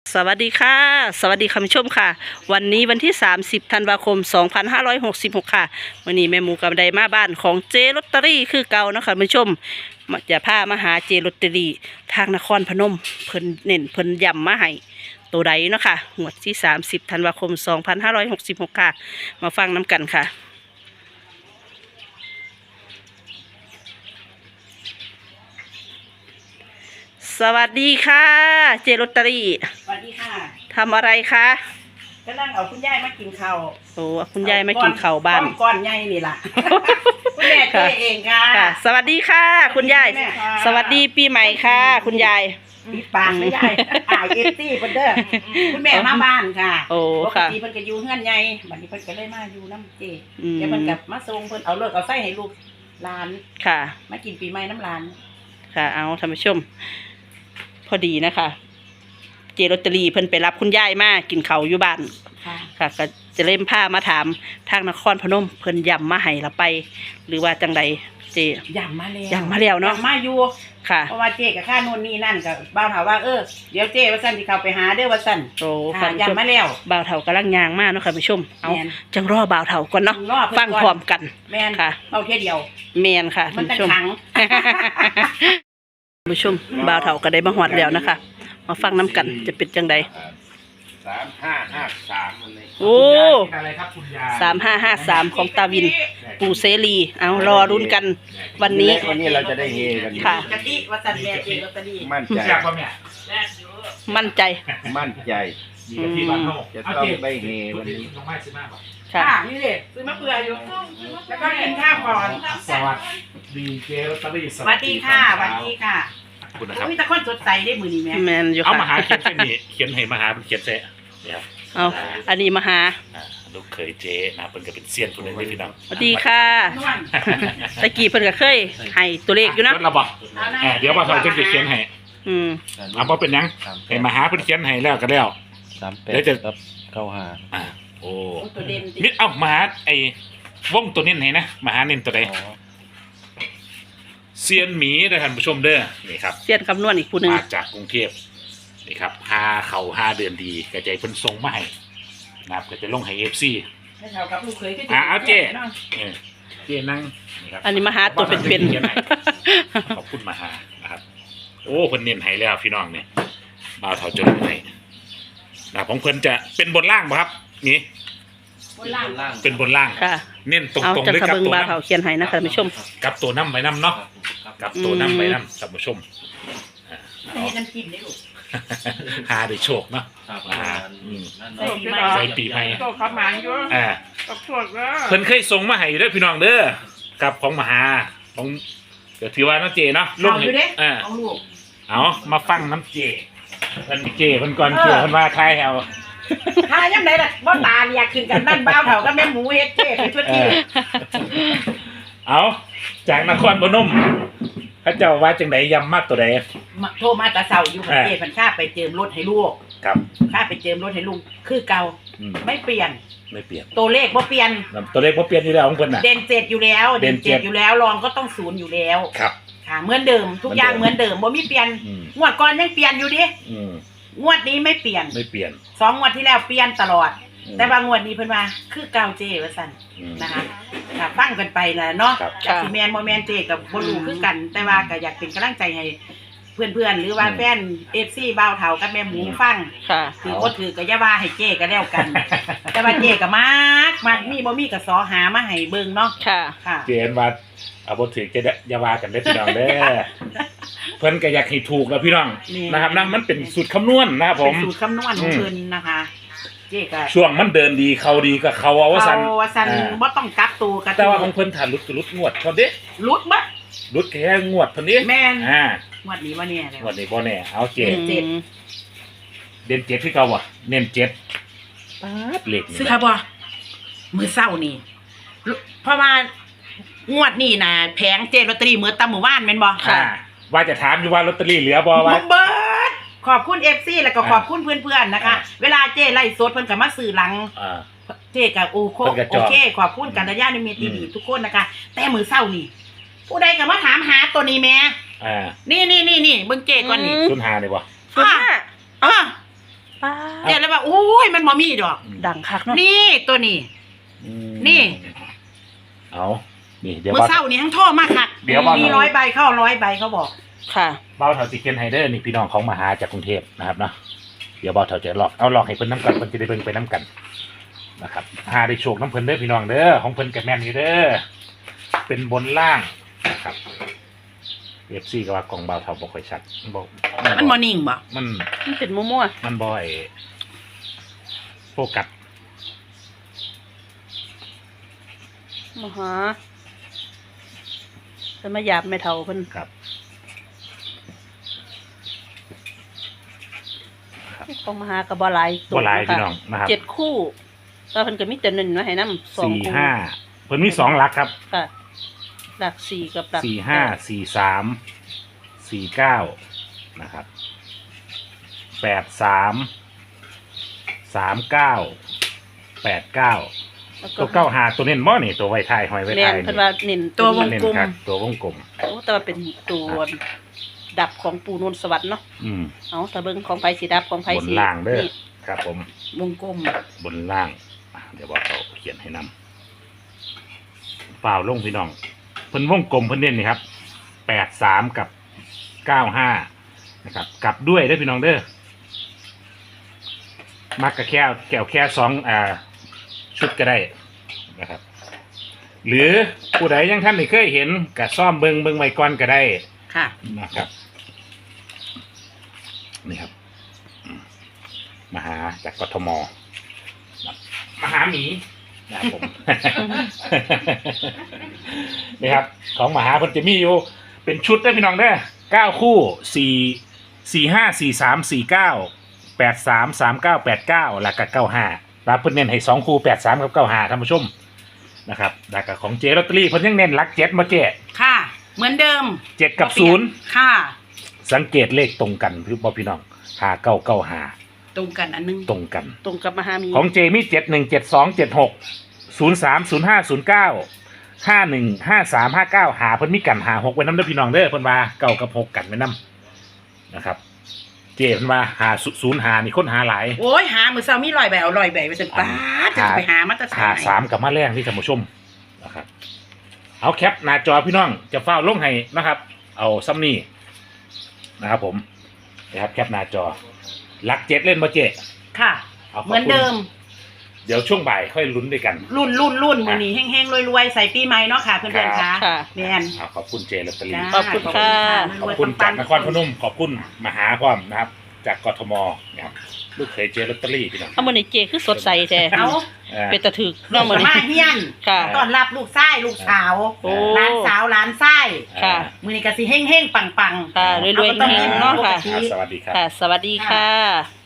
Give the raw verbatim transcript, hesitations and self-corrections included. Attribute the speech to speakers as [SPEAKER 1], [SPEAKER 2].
[SPEAKER 1] สวัสดีค่ะสวัสดีคุณผู้ชมค่ะวันนี้วันที่สามสิบธันวาคมสองพันห้าร้อยหกสิบหกค่ะวันนี้แม่หมูกับไดมาบ้านของเจลอตเตอรี่คือเก่านะคะคุณผู้ชมจะพามาหาเจลอตเตอรี่ทางนครพนมเพิ่นเน้นเพิ่นย้ำมาให้ตัวใดเนาะค่ะงวดที่สามสิบธันวาคมสองพันห้าร้อยหกสิบหกค่ะมาฟังน้ำกันค่ะสวัสดีค่ะเจลอตเตอรี่
[SPEAKER 2] สวัสดีค่ะ
[SPEAKER 1] ทำอะไรคะ
[SPEAKER 2] ก็นั่งเอาคุณยายมากินข้าว
[SPEAKER 1] โอ้คุณยายมากินข้าวบ้าน
[SPEAKER 2] ก้อนใหญ่นี่ล่ะคุณแม่เจ๊เองค่ะ
[SPEAKER 1] สวัสดีค่ะคุณยายสวัสดีปีใหม่ค่ะคุณยาย
[SPEAKER 2] ปิดปากไม่ได้ถ่ายเอฟซีเพิ่นเด้อคุณแม่มาบ้านค่ะ
[SPEAKER 1] โอ้ค่ะ
[SPEAKER 2] ปกติเพิ่นก็อยู่เฮือนใหญ่บัดนี้เพิ่นก็เลยมาอยู่น้ำเจ๊เดี๋ยวเพิ่นกลับมาส่งเพิ่นเอาเลิกเอาไส้ให้ลูกหลาน
[SPEAKER 1] ค่ะ
[SPEAKER 2] มากินปีใหม่น้ำหลาน
[SPEAKER 1] ค่ะเอาท่านผู้ชมพอดีนะคะเจลอตเตอรี่เพิ่นไปรับคุณยายมากินข้าวอยู่บ้านค่ะก็จะเล่มผ้ามาถามทางนครพนมเพิ่นย้ำมาให้ละไป หรือว่าจังใดเจ
[SPEAKER 2] ย้ำมาแล้ว
[SPEAKER 1] ย้ำมาแล้วเนาะ
[SPEAKER 2] ย้ำมาอยู่
[SPEAKER 1] ค่ะ
[SPEAKER 2] เพราะว่าเจ๊กับข้านู่นนี่นั่นกับบ่าวถามว่าเออเดี๋ยวเจ๊ว่าสั่นสิเข้าไปหาเด้อว่าสั่น
[SPEAKER 1] โอ้
[SPEAKER 2] ค่ะย้ำมาแล้ว
[SPEAKER 1] บ่าวเฒ่ากำลังย่างมาเนาะค่ะผู้ชมเอาจังรอบ่าวเฒ่าก่อนเนาะฟังพร้อมกัน
[SPEAKER 2] แม่น
[SPEAKER 1] ค่ะ
[SPEAKER 2] เอาแค่เดียว
[SPEAKER 1] แม่นค่ะท่านผู้ชมผู้ชมบ่าวเฒ่าก็ได้มาฮอดแล้วนะคะมาฟังน้ำกันจะเป็นจังใด
[SPEAKER 3] สามห้าห้าสามอะไร
[SPEAKER 1] โอ้
[SPEAKER 3] อะไรครับคุณยาย
[SPEAKER 1] สามห้าห้าสามของตาวินปู่เสรีเอารอรุ้นกันวันนี้
[SPEAKER 3] วันนี้เราจะได้เฮกัน
[SPEAKER 1] ค่ะ
[SPEAKER 2] กะทิวัสันแม่เจลอตเตอรี่
[SPEAKER 3] มั่นใจ
[SPEAKER 1] มั่นใจ
[SPEAKER 3] มั่นใจจะต้องได้เฮวันนี้
[SPEAKER 1] ค่ะ
[SPEAKER 2] นี่เลยซื้อมะเฟืองอยู่แล้วก็กินข้าวก่อน
[SPEAKER 3] สวัสดีเจลอตเตอรี่
[SPEAKER 2] สวัสดีค่ะสวัสดีค่ะ
[SPEAKER 4] คุณนะครับ
[SPEAKER 2] มีแต่คนสดใสได้มือนี้แม่
[SPEAKER 1] แมนอยู่ค่ะ
[SPEAKER 4] เอามาหาเขียนเส้นนี้เขียนให้มาหาเป็นเขียนเส้นเนี่ยครับ
[SPEAKER 1] เอาอันนี้มาหา
[SPEAKER 4] ลูกเคยเจ๊นะเป็นก็เป็นเซียนคนหนึ่งที่พี่น้อง
[SPEAKER 1] สวัสดีค่ะตะกี้เพิ่นก็เคยให้ตัวเลขอยู่นะ
[SPEAKER 4] เราบอกเดี๋ยวว่าเราจะเขียนให้
[SPEAKER 1] อืม
[SPEAKER 4] เอาพอเป็นยังให้มาหาเป็นเขียนให้แล้วก็แล้ว
[SPEAKER 3] สามแปดครับเก้าห้า
[SPEAKER 4] อ่าโอ้
[SPEAKER 2] ตัวเด่น
[SPEAKER 4] มิดเอามาหาไอ้วงตัวนี้ให้นะมาหาเน้นตัวใดเซียนหมีนะท่านผู้ชมเด้อนี่ครับ
[SPEAKER 1] เซียนคำนวณอีกผู้หนึ่ง
[SPEAKER 4] มาจากกรุงเทพนี่ครับหาเข่าห้าเดือนดีกระจายเพิ่นทรงมาให้นะครับก็จะลงให้เอฟซีอ่าเอาเจ๊เจ๊นั่งนี่ครับ
[SPEAKER 1] อันนี้มาหาตัวเป็น
[SPEAKER 4] ๆขอบคุณมาหานะครับโอ้เพิ่นเน้นให้แล้วพี่น้องเนี่ยบ่าวเฒ่าจนให้นะของเพิ่นจะเป็นบนล่างป่ะครับนี่
[SPEAKER 2] บนล่าง
[SPEAKER 4] เป็นบนล่างเน้นตรงๆด้วยกับตัว
[SPEAKER 1] น้ำเขียนให้นะคะท่านผู้ชม
[SPEAKER 4] กับตัวน้ำใบน้ำเนาะกับตัวน้ำใบน้ำท่านผู้ชม
[SPEAKER 2] นี่น้ำจิ้มนี่ลูก
[SPEAKER 4] หาได้โชคเนาะหาใส่ปีใหม่
[SPEAKER 2] โชคขับหมันอยู่
[SPEAKER 4] อ่าเพิ่นเคยส่งมาให้ด้วยพี่น้องเด้อกับของมหาของเดี๋ยวถือว่าน้ำเจเนาะ
[SPEAKER 2] ลงอยู่เด้อ่า
[SPEAKER 4] เอามาฟังน้ำเจเพิ่นเจเพิ่นก่อนเกี่ยวเพิ่นว่าทายแฮว
[SPEAKER 2] ทายยังไงล่ะบ่ตาอยากกินกันนั่นบ้าวเฒ่าก็แม่หมูเฮ็ดเจ๊ไปทั่วที่
[SPEAKER 4] เอาจากนครพนมพระเจ้าว่าจังไดยำมากตัวใด
[SPEAKER 2] โทรมาตาเสาอยู่ประเทศพันข้าไปเจิมรถให้ลูก
[SPEAKER 4] ครับ
[SPEAKER 2] ข้าไปเจิมรถให้ลูกคือเก่าไม่เปลี่ยน
[SPEAKER 4] ไม่เปลี่ยน
[SPEAKER 2] ตัวเลขบ่เปลี่ยน
[SPEAKER 4] ตัวเลขบ่เปลี่ยนอยู่แล้วของเพิ่นน่ะ
[SPEAKER 2] เด่นเจ็ดอยู่แล้วเด่นเจ็ดอยู่แล้วรองก็ต้องศูนย์อยู่แล้ว
[SPEAKER 4] ครับ
[SPEAKER 2] ค่ะเหมือนเดิมทุกอย่างเหมือนเดิมบ่มีเปลี่ยนงวดก่อนยังเปลี่ยนอยู่ดิงวดนี้ไม่เปลี่ยน
[SPEAKER 4] ไม่เปลี่ยน
[SPEAKER 2] สองงวดที่แล้วเปลี่ยนตลอดแต่บางงวดนี้เพิ่นว่าคือเก่าเจว่าซั่นนะคะค่ะฟังกันไปนะเนาะจากสิแม่นบ่แม่นเจกับบ่รู้คือกันแต่ว่าก็อยากเป็นกำลังใจให้เพื่อนๆหรือว่าแฟน เอฟ ซี บ่าวเฒ่ากับแม่หมูฟัง
[SPEAKER 1] ค่ะ
[SPEAKER 2] ถือบ่ถือก็อย่าว่าให้เจก็แล้วกันแต่ว่าเจก็มักมักมีบ่มีก็สอหามาให้เบิ่งเนาะ
[SPEAKER 1] ค่ะ
[SPEAKER 2] ค่ะ
[SPEAKER 4] เจนว่าเอาบ่ถือจะอย่าว่ากันเด้อพี่น้องเด้อเพิ่นก็อยากให้ถูกแล้วพี่น้องนะครับนะมันเป็นสูตรคำนวณนะครับผม
[SPEAKER 2] เป็นสูตรคำนวณของเพิ่นนะคะ
[SPEAKER 4] ช่วงมันเดินดีเขาดีก็เขาเอาว่าสัน
[SPEAKER 2] เอาว่าสันบ่ต้องกักตัวกัน
[SPEAKER 4] แต่ว่าของเพิ่นถ่านลุดลุดงวดพอดี
[SPEAKER 2] ลุดบ่
[SPEAKER 4] ลุดแค่งวดพอดี
[SPEAKER 2] แม่น
[SPEAKER 4] อ่าง
[SPEAKER 2] วดนี้บ่แน่แล้ว
[SPEAKER 4] งวดนี้บ่แน่เอาเจ็ด
[SPEAKER 2] เจ็ด
[SPEAKER 4] เด่นเจ็ดที่เก่าบ่เน้นเจ็ดป๊าดเลข
[SPEAKER 2] ซื้อครับบ่มื้อเช้านี่เพราะว่างวดนี้น่ะแผงเจลอตเตอรี่มื้อตะมื้อวานแม่นบ่
[SPEAKER 4] ค่ะว่าจะถามอยู่ว่าลอตเตอรี่เหลือบ่ว่า
[SPEAKER 2] เบิดขอบคุณ เอฟ ซี แล้วก็ขอบคุณเพื่อนๆนะคะเวลาเจ้ไล่สดเพิ่นก็มาซื้อหลังเจ้ก็โอโคโอเคขอบคุณกันญาณมิตรดีทุกคนนะคะแต่มื้อเช้านี่ผู้ใดก็มาถามหาตัวนี้แม่
[SPEAKER 4] อ่า
[SPEAKER 2] นี่ๆๆๆเบิ่งเจ้ก่อนนี่
[SPEAKER 4] ศูนย์ห้านี่บ่
[SPEAKER 1] ศูนย์ห้า
[SPEAKER 2] อ่าเจ๊เลยว่าโอ้ยมันบ่มีดอก
[SPEAKER 1] ดังคักเนาะ
[SPEAKER 2] นี่ตัวนี้
[SPEAKER 4] อืม
[SPEAKER 2] นี่
[SPEAKER 4] เอานี่เดี๋ยว
[SPEAKER 2] เมื่อ
[SPEAKER 4] บ่าว
[SPEAKER 2] เช้านี้ทั้งโทรมาคัก
[SPEAKER 4] เดี๋ยวบ่าว
[SPEAKER 2] มีร้อยใบเข้าร้อยใบเขาบอก
[SPEAKER 1] ค่ะ
[SPEAKER 4] บ่าวเถาสิเคนไฮเดอร์นี่พี่น้องของมาหาจากกรุงเทพนะครับเนาะเดี๋ยวบ่าวเถาจะลอกเอาลอกให้เพิ่นน้ำกันเพิ่นจะได้เบิ่งไปน้ำกันนะครับหาได้โชคน้ำเพิ่นเด้อพี่น้องเด้อของเพิ่นกับแม่นอยู่เด้อเป็นบนล่างนะครับเอฟซีก็ว่ากล่องบ่าวเถาบ่ค่อยชัดบ่
[SPEAKER 2] มันบ่นิ่งบ่
[SPEAKER 4] มัน
[SPEAKER 1] มันเป็นมั่ว
[SPEAKER 4] มันบ่อยโฟกัส
[SPEAKER 1] ๆมาหาเพิ่นมาหยาบไม่เท่าเพิ่น
[SPEAKER 4] ครับ
[SPEAKER 1] ของมหาก็บ่หลายตัว
[SPEAKER 4] บ่หลาย
[SPEAKER 1] นะคะ
[SPEAKER 4] พี่น้องนะครับ
[SPEAKER 1] เจ็ดคู่แล้วเพิ่นก็มีแต่หนึ่งมาให้นำสอง
[SPEAKER 4] สี่
[SPEAKER 1] คู่
[SPEAKER 4] ห้าเพิ่นมีสองหลักครับ
[SPEAKER 1] ค่ะหลักสี่กับหลัก
[SPEAKER 4] สี่ห้าสี่สามสี่เก้านะครับแปดสามสามเก้าแปดเก้า
[SPEAKER 1] แล้ว
[SPEAKER 4] ตัวเก้าหาตัวเน้นบ่นี่ตัวไวไทยหอยไว
[SPEAKER 1] แม่
[SPEAKER 4] ไท
[SPEAKER 1] น
[SPEAKER 4] ย
[SPEAKER 1] เพิ่นว่าเน้น
[SPEAKER 2] ตัววง
[SPEAKER 4] เน้น
[SPEAKER 2] กลม
[SPEAKER 4] ครับตัววงกลม
[SPEAKER 1] โอ้แต่ว่าเป็นตัวดับของปูนนสวรรค์เนาะ
[SPEAKER 4] อืม
[SPEAKER 1] เอาถ้าเบิ่งของไผสิดับของไผ
[SPEAKER 4] บน
[SPEAKER 1] สิ
[SPEAKER 4] ล่างเด้อ
[SPEAKER 1] นี่
[SPEAKER 4] ครับผม
[SPEAKER 2] วงกลม
[SPEAKER 4] บนล่างอ่ะเดี๋ยวบอกเขาเขียนให้นำเปล่าลงพี่น้องเพิ่นวงกลมเพิ่นเน้นนี่ครับแปดสามกับเก้าห้านะครับกลับด้วยเด้อพี่น้องเด้อมักกะแค่แก้วแค่สองอ่าชุดก็ได้นะครับ หรือผู้ใดยังท่านไม่เคยเห็นกับซ่อมเบิงเบิงไว้ก่อนก็ได้
[SPEAKER 2] ค่ะ
[SPEAKER 4] นะครับนี่ครับอืมมาหาจากกทมมาหาหมีนะครับผม นี่ครับของมหาเพิ่นจะมีอยู่เป็นชุดได้อพี่น้องได้อเก้าคู่สี่สี่ห้าสี่สามสี่เก้าแปดสามสามเก้าแปดเก้าแล้วก็เก้าห้ารับเพิ่นเน้นให้สองคู่แปดสามกับเก้าห้าท่านผู้ชมนะครับแล้วก็ของเจลอตเตอรี่เพิ่นยังเน้นหลักเจ็ดมาเจ
[SPEAKER 2] ค่ะ เหมือนเดิม
[SPEAKER 4] เจ็ดกับศูนย์
[SPEAKER 2] ค่ะ
[SPEAKER 4] สังเกตเลขตรงกันพี่บ่พี่น้องหาเก้าเก้าหา
[SPEAKER 2] ตรงกันอันนึง
[SPEAKER 4] ตรงกัน
[SPEAKER 1] ตรงกับมหามี
[SPEAKER 4] ของเจมีเจ็ดหนึ่งเจ็ดสองเจ็ดหกศูนย์สามศูนย์ห้าศูนย์เก้าห้าหนึ่งห้าสามห้าเก้าหาเพิ่นมีกันหาหกไว้น้ำเด้อพี่น้องเด้อเพิ่นว่าเก้ากับหกกันไว้น้ำนะครับ เจเพิ่นว่าหาศูนย์หานี่คนหาหลาย
[SPEAKER 2] โอ้ยหามือเช้ามีร้อยใบเอาร้อยใบไปจนป้าดจะไปหามาตรฐา
[SPEAKER 4] หาน สามกับมาแรงที่ท่านผู้ชมนะครับเอาแคปหน้าจอพี่น้องจะเฝ้าลงให้นะครับ เอาซ้ำนี่นะครับผมนะครับแคปหน้าจอหลักเจ็ดเล่นมาเจ
[SPEAKER 2] ค่ะ
[SPEAKER 4] เอาขบ
[SPEAKER 2] เหมือน
[SPEAKER 4] คุณ
[SPEAKER 2] เดิม
[SPEAKER 4] เดี๋ยวช่วงบ่ายค่อยลุ้นด้วยกัน
[SPEAKER 2] รุ่นรุ่นรุ่นมือนี้แห้งๆรวยๆใส่ปีใหม่เนาะค่ะเพื่อนๆค่ะ
[SPEAKER 1] ค่ะ
[SPEAKER 2] แมน
[SPEAKER 4] เอาขอบคุณเจลอตเตอรี่
[SPEAKER 2] จ้า
[SPEAKER 1] ขอบคุณค่ะ
[SPEAKER 4] ขอบคุณจากนครพนมขอบคุณมหาความนะครับ จากกทมนะครับลูกเคยเจลอตเตอรี่พี่น้อง
[SPEAKER 1] เอามื้อนี้เจคือสดใสแท้
[SPEAKER 2] เอา
[SPEAKER 4] เออ
[SPEAKER 1] เป็นตะถึกเนาะมื้อนี้
[SPEAKER 2] มาเฮียน
[SPEAKER 1] ค่ะ
[SPEAKER 2] ต้อนรับลูกชายลูกสาว
[SPEAKER 1] โอ้
[SPEAKER 2] หลานสาวหลานชาย
[SPEAKER 1] ค่ะ
[SPEAKER 2] มือนี้ก็สิเฮงๆปังๆ
[SPEAKER 1] ค่ะรวยๆ
[SPEAKER 2] เอาก็ต้อง
[SPEAKER 1] เฮงๆเนาะค่ะ
[SPEAKER 2] ปกติ
[SPEAKER 4] อ่าสวัสดีครับ
[SPEAKER 1] ค่ะ สวัสดีค่ะ